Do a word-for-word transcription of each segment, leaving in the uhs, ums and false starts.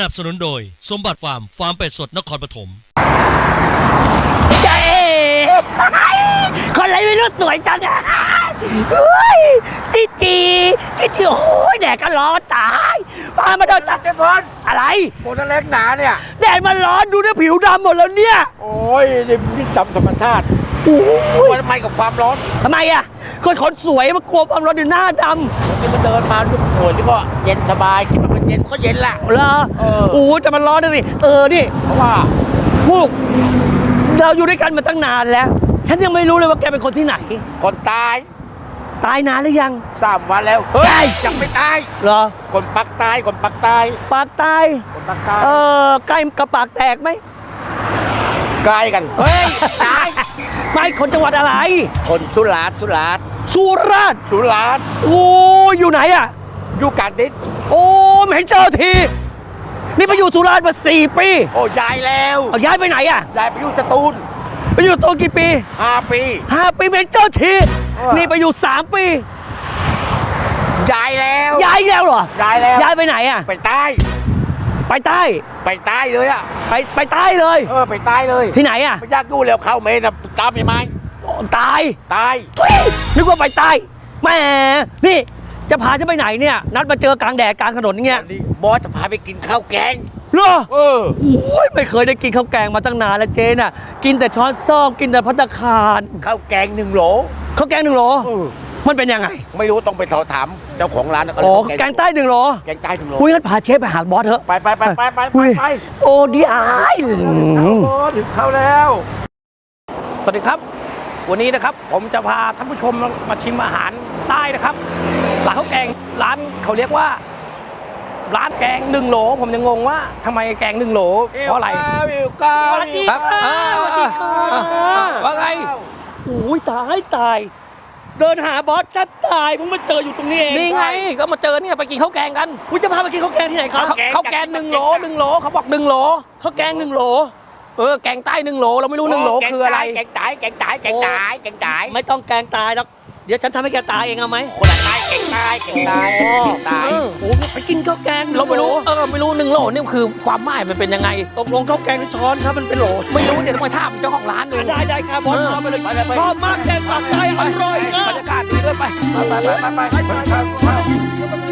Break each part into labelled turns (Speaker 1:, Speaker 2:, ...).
Speaker 1: สนับสนุนโดยสมบัติฟาร์มฟาร์มเป็ดสดนครปฐม
Speaker 2: เจ๊คนอะไรไม่รู้สวยจังอ่ะเฮ้ยจีจีไอ้ที่โอ้ยแดดก็ร้อนตายพามาโดนตาเจ๊พลอะไร
Speaker 3: โมนเล็กหนาเนี่ย
Speaker 2: แดดมันร้อนดูนะผิวดำหมดแล้วเนี่ย
Speaker 3: โอ้ยนี่นี่ดำธรรมชาติ
Speaker 2: โอ้ย
Speaker 3: ทำไมกับความร้อน
Speaker 2: ทำไมอ่ะคนคนสวยมันกลัวความร้อนอยู่หน้าด
Speaker 3: ำที่มันเดินมาดูโอ้ยนี่ก็เย็นสบายคิดว่ามันเย็นก็เย็นแหละ
Speaker 2: เหรอโอ้จะมันร้อนนะสิเออนี่
Speaker 3: เพราะว่า
Speaker 2: พวกเราอยู่ด้วยกันมาตั้งนานแล้วฉันยังไม่รู้เลยว่าแกเป็นคนที่ไหน
Speaker 3: คนตาย
Speaker 2: ตายนานหรือยัง
Speaker 3: สามวันแล้วเฮ้ยยังไม่ตาย
Speaker 2: เหรอ
Speaker 3: คนปักตายคนปักตาย
Speaker 2: ปากตาย
Speaker 3: คนปักตาย
Speaker 2: เออใกล้กับปากแตกไหม
Speaker 3: ใกล้กัน
Speaker 2: เฮ้ยตายไม่คนจังหวัดอะไร
Speaker 3: คนสุราษฎร์สุราษฎร์
Speaker 2: สุราษฎร์
Speaker 3: สุราษฎร์
Speaker 2: โอ้อยู่ไหนอ่ะ
Speaker 3: อยู่กาญจน
Speaker 2: โอ้ไม่เห็นเจอทีนี่ไปอยู่สุราษฎร์มาสี่ปี
Speaker 3: โอ้ย้ายแล้ว
Speaker 2: ย้ายไปไหนอ่ะ
Speaker 3: ย้ายไปอยู่สตูล
Speaker 2: ไปอยู่สตูลกี่ปี
Speaker 3: ห้าปี
Speaker 2: ห้าปีไม่เห็นเจอทีนี่ไปอยู่สามปี
Speaker 3: ย้ายแล้ว
Speaker 2: ย้ายแล้วเหรอ
Speaker 3: ย้ายแล้ว
Speaker 2: ย้ายไปไหนอ่ะ
Speaker 3: ไปใต้
Speaker 2: ไปใต้
Speaker 3: ไปใต้เลยอ่ะ
Speaker 2: ไปไปใต้เลย
Speaker 3: เออไปใต้เลย
Speaker 2: ที่ไหนอ่ะ
Speaker 3: ไม่ยากกู้แล้วเข้าเมนนะตามยังไง
Speaker 2: ตาย
Speaker 3: ตาย
Speaker 2: นึกว่าไปใต้แหมนี่จะพาฉันไปไหนเนี่ยนัดมาเจอกลางแดดกลางถนนอย่างเงี้ย
Speaker 3: บอสจะพาไปกินข้าวแกง
Speaker 2: เหรอ
Speaker 3: เออ
Speaker 2: โอ้ยไม่เคยได้กินข้าวแกงมาตั้งนานแล้วเจน่ะกินแต่ช้อนซ่อมกินแต่ภัตตาคาร
Speaker 3: ข้าวแกงหนึ่งโหล
Speaker 2: ข้าวแกงหนึ่งโหลมันเป็นยังไง
Speaker 3: ไม่รู้ต้องไปสอบถามเจ้าของร้าน
Speaker 2: โอ้แกงใต้หนึ่งโหล
Speaker 3: แกงใต้หนึ่งโหล
Speaker 2: อุ้ยงั้นพาเชฟไปหาบอสเถอะ
Speaker 3: ไปไปไปไปไปไป
Speaker 2: โอ้ดีอาย
Speaker 3: ถึงเข้าแล้ว
Speaker 4: สวัสดีครับวันนี้นะครับผมจะพาท่านผู้ชมมาชิมอาหารใต้นะครับร้านข้าวแกงร้านเขาเรียกว่าร้านแกงหนึ่งโหลผมยังงงว่าทำไมแกงหนึ่งโหลเพราะอะไร
Speaker 2: สวัสดีค่ะสวัสดีค่ะ
Speaker 4: ว่าไง
Speaker 2: โอ้ยตายตายเดินหาบอสแทบตายผมมาเจออยู่ตรงนี้เอง
Speaker 4: นี่ไงก็มาเจอเนี่ยไปกินข้าวแกงกัน
Speaker 2: คุณจะพาไปกินข้าวแกงที่ไหนครับ
Speaker 4: ข้าวแกงหนึ่งโหลหนึ่งโหลเขาบอกหนึ่งโหล
Speaker 2: ข้าวแกงหนึ่งโหล
Speaker 4: เออแกงใต้หนึ่งโหลเราไม่รู้หนึ่งโหลคืออะไร
Speaker 3: แกงใต้แกงใต้แกงใต้แกงใต้
Speaker 2: ไม่ต้องแกงตายแล้วเดี๋ยวฉันทำให้แกตายเองเอาไหม
Speaker 3: คนละใต้แกงใต้แกงใต้แกงใต้
Speaker 2: โอ้ไปกินข้าวแกง
Speaker 4: เราไม่รู้เออไม่รู้หนึ่งโหลนี่คือความหมายมันเป็นยังไง
Speaker 2: ตกลงข้าวแกงในช้อนครับมันเป็นโหล
Speaker 4: ไม่รู้เดี๋ยวต้องไปถามเจ้าของร้านดู
Speaker 2: ได้ได้ครับบอสมาไปเลยชอบมากแกงปากใต้อร่อยนะ
Speaker 4: บรรยากาศดีด้วยไป
Speaker 3: ไปไปไปไป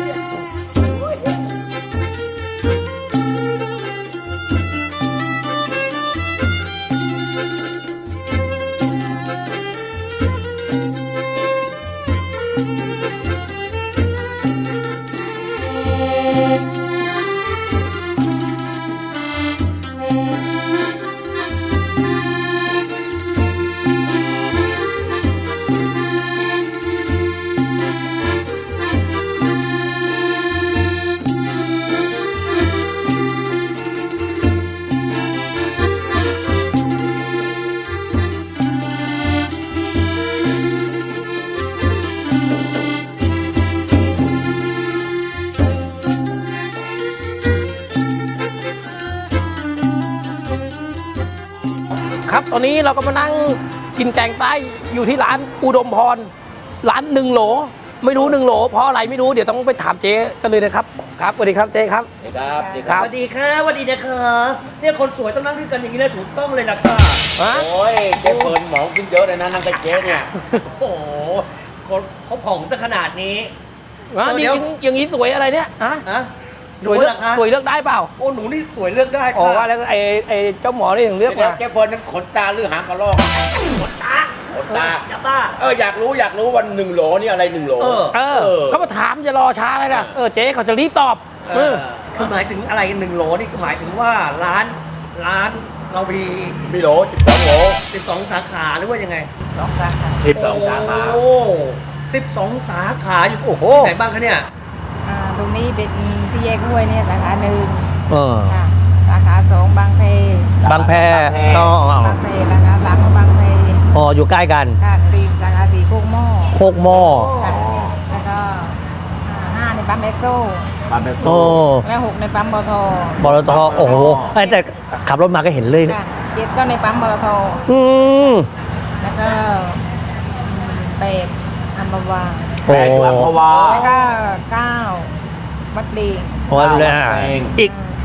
Speaker 4: ครับตอนนี้เราก็มานั่งกินแกงใต้อยู่ที่ร้านอุดมพรร้านหนึ่งโหลไม่รู้หนึ่งโหลเพราะอะไรไม่รู้เดี๋ยวต้องไปถามเจ๊กันเลยนะครับครับสวัสดีครับเจ๊ครับ
Speaker 3: สวัสดีครับ
Speaker 2: สวัสดีค่ะสวัสดีนะคะเนี่ยคนสวยต้องนั่งด้วยกันอย่างนี้เลยถูกต้องเลยล่ะค่ะ
Speaker 3: โอ้ยเจ๊เปิดหมองกินเยอะเลยนะนั่งกับเจ๊เนี่ย
Speaker 2: โอ้โหเขาผ่องซะขนาดนี้
Speaker 4: นี่อย่างนี้สวยอะไรเนี่ยฮะสวยสวยเลือกได้เปล่า
Speaker 2: โอ้หนูนี่สวยเลือกได้ค่ะ
Speaker 4: อ๋อว่าแล้วไอ้ไอ้เจ้าหมอนี่ถึงเลือกมา
Speaker 3: เจ๊เปิดนั้นขนตาหรือหางกระรอก
Speaker 2: ขนตา
Speaker 3: ขนตา
Speaker 2: อย่าบ้า
Speaker 3: เอออยากรู้อยากรู้วันหนึ่งโหลนี่อะไรหนึ่งโหล
Speaker 4: เออเขามาถามจะรอช้าเลยนะเออเจ๊เขาจะรีบตอบ
Speaker 2: เออคือหมายถึงอะไรหนึ่งโหลนี่หมายถึงว่าร้านร้านเรามี
Speaker 3: มีโหลสิบสองโหล
Speaker 2: สิบสองสาขาหรือว่ายังไง
Speaker 3: สองสาขาสิบสองสาขา
Speaker 2: โอ้สิบสองสาขาอยู่โอ้โหที่ไหนบ้างคะเนี่ย
Speaker 5: ตรงนี้เป็นที่แยกห้วยเนี่ยสาขาหนึ่ง
Speaker 2: เออ
Speaker 5: สาขาสองบางแพ
Speaker 2: บางแพ
Speaker 5: ก็บางแพสาขาสามก็บางแพ
Speaker 2: อ๋ออยู่ใกล้กัน
Speaker 5: ค่ะสี่สาขาสี่โคกหม้อ
Speaker 2: โคกหม้อ
Speaker 5: แล้วก็ห้าในปั๊มเอ็กโซ
Speaker 3: ปั๊มเอ็กโซ
Speaker 5: แล้วหกในปั๊มบท
Speaker 2: บทโอ้โหแต่ขับรถมาก็เห็นเลย
Speaker 5: เจ็ดก็ในปั๊มบท
Speaker 2: อืม
Speaker 5: แล้วก็แปดอัมพวา
Speaker 3: แปดอัมพวา
Speaker 5: แล้วก็เก้าวัดลี
Speaker 2: วัดเลยอีก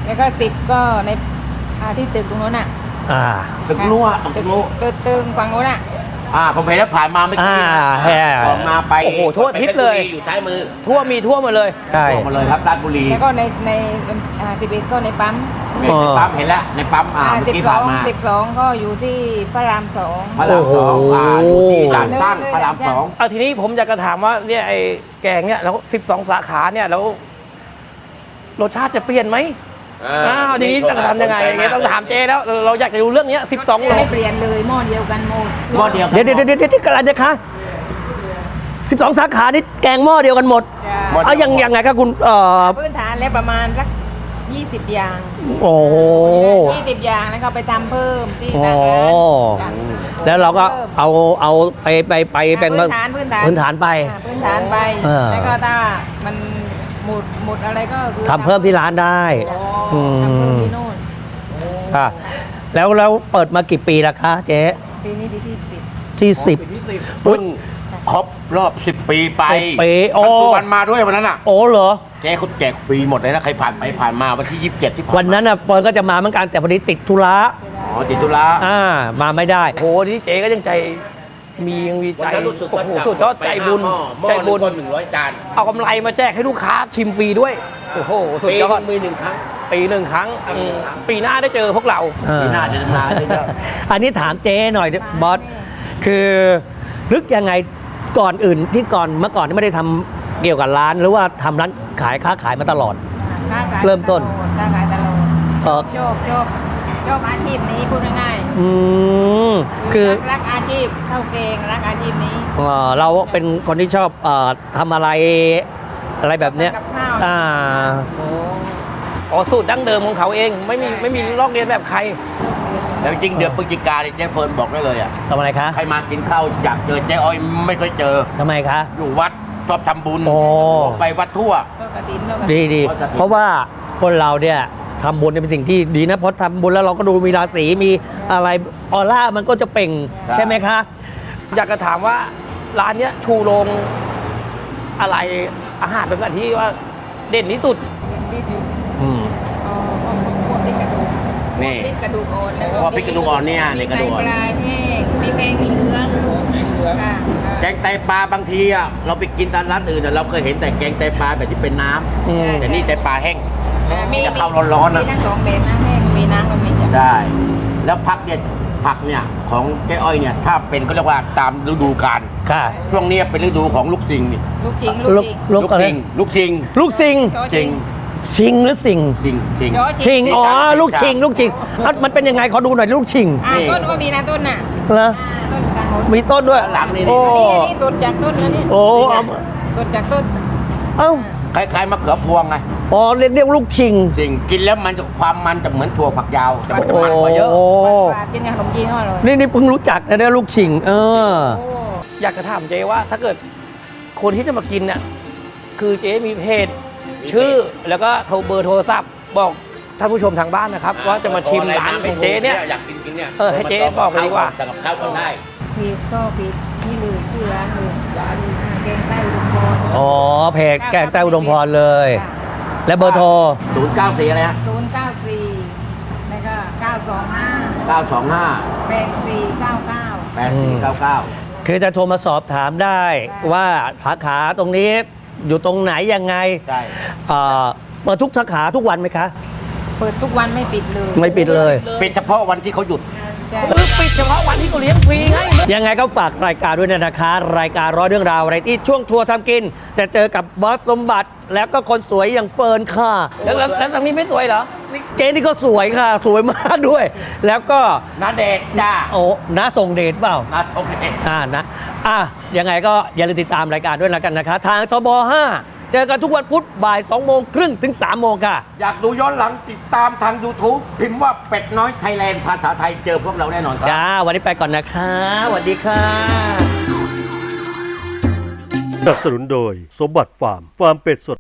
Speaker 5: แล้วก็สิบก็ในอ่าที่ตึกตรงโน้นอ่ะ
Speaker 2: อ่า
Speaker 3: ตึกนัวตึกนัว
Speaker 5: ตึกตึงฝั่งโน้นอ่ะ
Speaker 3: อ่าผมเห็นแล้วผ่านมาไม่กี่
Speaker 2: อ่าแฮ่
Speaker 3: ออกมาไป
Speaker 4: โอ้โหทั่วอาทิศเลย
Speaker 3: ไปพชรบุรีอยู่ซ้ายมือ
Speaker 4: ทั่วมีทั่วหมาเลย
Speaker 2: ใช่
Speaker 3: ออกมาเลยครับราชบุรี
Speaker 5: แล้วก็ในในอ่าสิบเอ็ดก็ในปั๊ม
Speaker 3: ในปั๊มเห็นแล้วในปั๊มอ่า
Speaker 5: อ่า
Speaker 3: เมื่อ
Speaker 5: สิบ
Speaker 3: กี้
Speaker 5: ส
Speaker 3: ผ่า
Speaker 5: อน ง
Speaker 3: มา
Speaker 5: สิบสองก็อยู่ที่พระรามสอง
Speaker 3: พระรามสองอ่าอยู่ที่ด่านสร้างพระรามสอง
Speaker 4: เอาทีนี้ผมอยากจะถามว่าเนี่ยไอ้แกงเนี่ยแล้วสิบสองสาขาเนี่ยแล้วรสชาติจะเปลี่ยนไหมอ้าวทีนี้จะทำยังไงอย่างเงี้ยต้องถามเจ๊แล้วเราเราอยากจะรู้เรื่องเนี้สิบสองโล
Speaker 5: ไม่เปลี่ยนเลยหม้อเดียวกันหมด
Speaker 3: หม้อเดียวกัน
Speaker 2: เดี๋ยวเดี๋ยวเดี๋ยวเดี๋ยวกระไรนะคะสิบสองสาขานี่แกงหม้อเดียวกันหมด
Speaker 5: จ้ะ
Speaker 2: เอายังยังไงครับคุณเอ่อ
Speaker 5: พื้นฐานแล้วประมาณสักยี่สิบอย่าง
Speaker 2: โอ้โห
Speaker 5: ยี่สิบอย่างแล้วก็ไปทำเพิ่มที่
Speaker 2: โอ้
Speaker 5: ทางร้านจ้ะ
Speaker 2: แล้วเราก็เอาเอาไปไปไปเป็น
Speaker 5: พื้นฐานพื้นฐาน
Speaker 2: พื้นฐานไป
Speaker 5: อ่าพื้นฐานไป
Speaker 2: เออ
Speaker 5: แล้วก็ถ้ามันหมดหมดอะไรก็คือ
Speaker 2: ทำเพิ่มที่ร้านได้อื
Speaker 5: ทำเพิ่ม
Speaker 2: ม
Speaker 5: ที่โน่น
Speaker 2: ค่ะแล้วแล้วเปิดมากี่ปีแล้วคะเจ๊
Speaker 5: ปีนี้ปีที่สิบ
Speaker 2: ที่สิบ
Speaker 3: เพิ่งครบรอบสิบปีไป
Speaker 2: สิบปีโอ้
Speaker 3: ท่านสุวรรณมาด้วยวันนั้นอ่ะ
Speaker 2: โอ้เหรอ
Speaker 3: แกเขาแจกฟรีหมดเลยนะใครผ่านไปผ่านมาวันที่ยี่สิบเจ็ดที่ผ่านมา
Speaker 2: วันนั้นอ่ะเฟิร์นก็จะมาเหมือนกันแต่พอดีติดธุระ
Speaker 3: อ๋อติดธุระ
Speaker 2: อ่ามาไม่ได้
Speaker 4: โอ้โหที่เจ๊ก็ยังใจมียังมี
Speaker 3: วั
Speaker 4: ใจ
Speaker 3: นนั้นรู้สึก
Speaker 4: โอ้
Speaker 3: ว่า
Speaker 4: โหสุดยอดใจบุญ
Speaker 3: หม้อ
Speaker 4: ใจ
Speaker 3: หม้
Speaker 4: บุ
Speaker 3: อ
Speaker 4: ญ
Speaker 3: หนึ่งคนหนึ่งร้อยจาน
Speaker 4: เอากำไรมาแจกให้ลูกค้าชิมฟรีด้วยโอ้โหสุด
Speaker 3: ปี
Speaker 4: ยอด
Speaker 3: มีหนึ่งครั้ง
Speaker 4: ปีหนึ่งครั้งอืมปีหน้าได้เจอพวกเรา
Speaker 3: ปีหน้าจะมาเยอะ
Speaker 2: อันนี้ถามเจ๊หน่อยบอสคือนึกยังไงก่อนอื่นที่ก่อนเมื่อก่อนที่ไม่ได้ทำเกี่ยวกับร้าน หรือว่าทำร้านขายค้าขายมาตลอด
Speaker 5: ค้าขาย
Speaker 2: เริ่มต้น
Speaker 5: ค้าขายตลอด
Speaker 2: เออ
Speaker 5: ชอบชอบชอบอาชีพนี้พูดง่าย
Speaker 2: อืม
Speaker 5: ๆ
Speaker 2: คือ
Speaker 5: รักรักอาชีพเข้าเกงรักอาชีพนี้
Speaker 2: เอ่อเราเป็นคนที่ชอบเอ่อทำอะไรอะไรแบบเนี้ย
Speaker 5: กับข้าว
Speaker 2: อ่า
Speaker 4: อ๋อสูตรดั้งเดิมของเขาเองไม่มีไม่มีลอกเลียนแบบใคร
Speaker 3: แล้วจริงๆเดือนพฤศจิกาเนี่ยเจ๊เพลินบอกได้เลยอ่ะ
Speaker 2: ทำอะไรคะ
Speaker 3: ใครมากินข้าวอยากเจอเจ๊อ้อยไม่เคยเจอ
Speaker 2: ทำไมคะ
Speaker 3: อยู่วัดชอบทำบุญ
Speaker 2: โอ้
Speaker 3: ไปวัดทั่ว
Speaker 5: ก็กระถินก็กระ
Speaker 2: ดี
Speaker 5: ถิน
Speaker 2: ดี
Speaker 3: ว่าจะ
Speaker 2: เพราะว่าคนเราเนี่ยทำบุญเนี่ยเป็นสิ่งที่ดีนะเพราะทำบุญแล้วเราก็ดูมีราศีมีอะไรออร่ามันก็จะเปล่งใช่ไหมคะ
Speaker 4: อยากจะถามว่าร้านเนี้ยชูโรงอะไรอาหารเป็นแบบที่ว่าเด่นที่สุด
Speaker 5: ที่สุด
Speaker 2: อืม
Speaker 5: อ๋อพวกพวกพริกกระดูก
Speaker 3: นี่
Speaker 5: พวกพริกกระดูกอ่อนแล้วก็
Speaker 3: พวกพริกกระดูกอ่อนเนี่ยเนี่ยกระดูกอ่อน
Speaker 5: มีไตปลาแห้งมีแกงเหลืองค่ะ
Speaker 3: แกงไตปลาบางทีอ่ะเราไปกินตามร้านอื่นอ่ะเราเคยเห็นแต่แกงไตปลาแบบที่เป็นน้
Speaker 2: อืม
Speaker 3: ำแต่นี่ไตปลาแห้ง
Speaker 5: อ่ามี
Speaker 3: จะเข้าร้อนๆนะ
Speaker 5: มีทั้งสองแบบนะแห้งก็มีน้ำก็มีจ้ะ
Speaker 3: ได้ แล้วผักเนี่ยผักเนี่ยของเจ๊อ้อยเนี่ยถ้าเป็นก็เรียกว่าตามฤดูกาล
Speaker 2: ค่ะ
Speaker 3: ช่วงนี้เป็นฤดูของลูกซิงนี่
Speaker 5: ลูกชิง
Speaker 2: ลู
Speaker 5: ลู
Speaker 2: ก
Speaker 5: กชิง
Speaker 2: ลูกอะไร
Speaker 3: ซิงลูกซิง
Speaker 2: ลูกสิง
Speaker 5: โจ
Speaker 3: จริง
Speaker 2: ชิงหรือสิง
Speaker 3: ซิงซิง
Speaker 5: โจ
Speaker 2: ชิงอ๋อ
Speaker 3: ชิง
Speaker 2: ลูกชิง ลูกชิงอ่ะมันเป็นยังไงขอดูหน่อยลูกชิง
Speaker 5: อ่า
Speaker 3: นี่
Speaker 5: ต้นก็มีนะต้นน่ะ
Speaker 2: เหรอ
Speaker 5: ต้นกลางหน
Speaker 2: มีต้นด้วย
Speaker 3: ด้านหลังนี่
Speaker 2: โอ้
Speaker 5: นี่อันนี้สดจากต้นนะเนี่ย
Speaker 2: โอ้เอา
Speaker 5: สดจากต้น
Speaker 2: เอ้า
Speaker 3: คล้ายๆมะเขือพวงไง
Speaker 2: อ๋อเรียกเรียกลูกชิง
Speaker 3: ซิงกินแล้วมันจะความมันจะเหมือนถั่วฝักยาวแต่มันจะ
Speaker 2: โอ้
Speaker 3: มันกว่าเยอะ
Speaker 5: ปลากินอย่างขนมจีนก็อร่อย
Speaker 2: นี่นี่เพิ่งรู้จักนะเนี่ยลูกชิง เออ
Speaker 5: โอ้
Speaker 4: อยากจะถามเจ๊ว่าถ้าเกิดคนที่จะมากินเนี่ยคือเจ๊มีเพจ
Speaker 3: มีเพจ
Speaker 4: ชื่อแล้วก็โทรเบอร์โทรศัพท์บอกท่านผู้ชมทางบ้านนะครับ ว่าจะมาชิมร้านของเจ๊เนี่ย
Speaker 3: อยากกินกินเนี่ย
Speaker 4: เออให้เจ๊บอกไปดีกว่า
Speaker 3: สั่งกับข้าวก่อนได้
Speaker 5: ผิดก็ผิดนี่เลยชื่อร้านเลยร้านแกงใต้อุดมพร
Speaker 2: อ๋อเพจแกงใต้อุดมพรเลย และเบอร์โทร
Speaker 3: ศูนย์เก้าสี่อะไรฮะ
Speaker 5: ศูนย์เก้าสี่แล้วก็เก้าสองห้า
Speaker 3: เก้าสองห้า
Speaker 5: แปดสี่เก้าเก้า
Speaker 3: แปดสี่เก้าเก้า
Speaker 2: คือจะโทรมาสอบถามได้ว่าสาขาตรงนี้อยู่ตรงไหนยังไง
Speaker 3: ใช่
Speaker 2: เอ่อเปิดทุกสาขาทุกวันไหมคะ
Speaker 5: เปิดทุกวันไม่ปิดเลย
Speaker 2: ไม่ปิดเลย
Speaker 3: ปิดเฉพาะวันที่เขาหยุด
Speaker 5: ใช่
Speaker 4: เออปิดเฉพาะวันที่เขาเลี้ยงฟรีไง
Speaker 2: ยังไงก็ฝากรายการด้วยนะคะ รายการร้อยเรื่องราวอะไรที่ช่วงทัวร์ทำกิน จะเจอกับบอสสมบัติ แล้วก็คนสวยอย่างเฟิร์นค่ะ
Speaker 4: แล้วแล้วแล้วทางนี้ไม่สวยเหรอ
Speaker 2: เจนี่ก็สวยค่ะ สวยมากด้วย แล้วก็
Speaker 3: นาเดชน์จ้า
Speaker 2: โอ้น้าส่งเดชเปล่า
Speaker 3: นาโอเค
Speaker 2: อ่านะอ่ะยังไงก็อย่าลืมติดตามรายการด้วยแล้วกันนะคะ ทางทบห้าเจอกันทุกวันพุธบ่ายสองโมงครึ่งถึงสามโมงค่ะ
Speaker 3: อยากดูย้อนหลังติดตามทาง YouTube พิมพ์ว่าเป็ดน้อยไทยแลนด์ภาษาไทยเจอพวกเราแน่นอนครับ
Speaker 2: จ้า วันนี้ไปก่อนนะคะสวัสดีค่ะ
Speaker 1: สนับสนุนโดยสมบัติฟาร์ม ฟาร์มเป็ดสด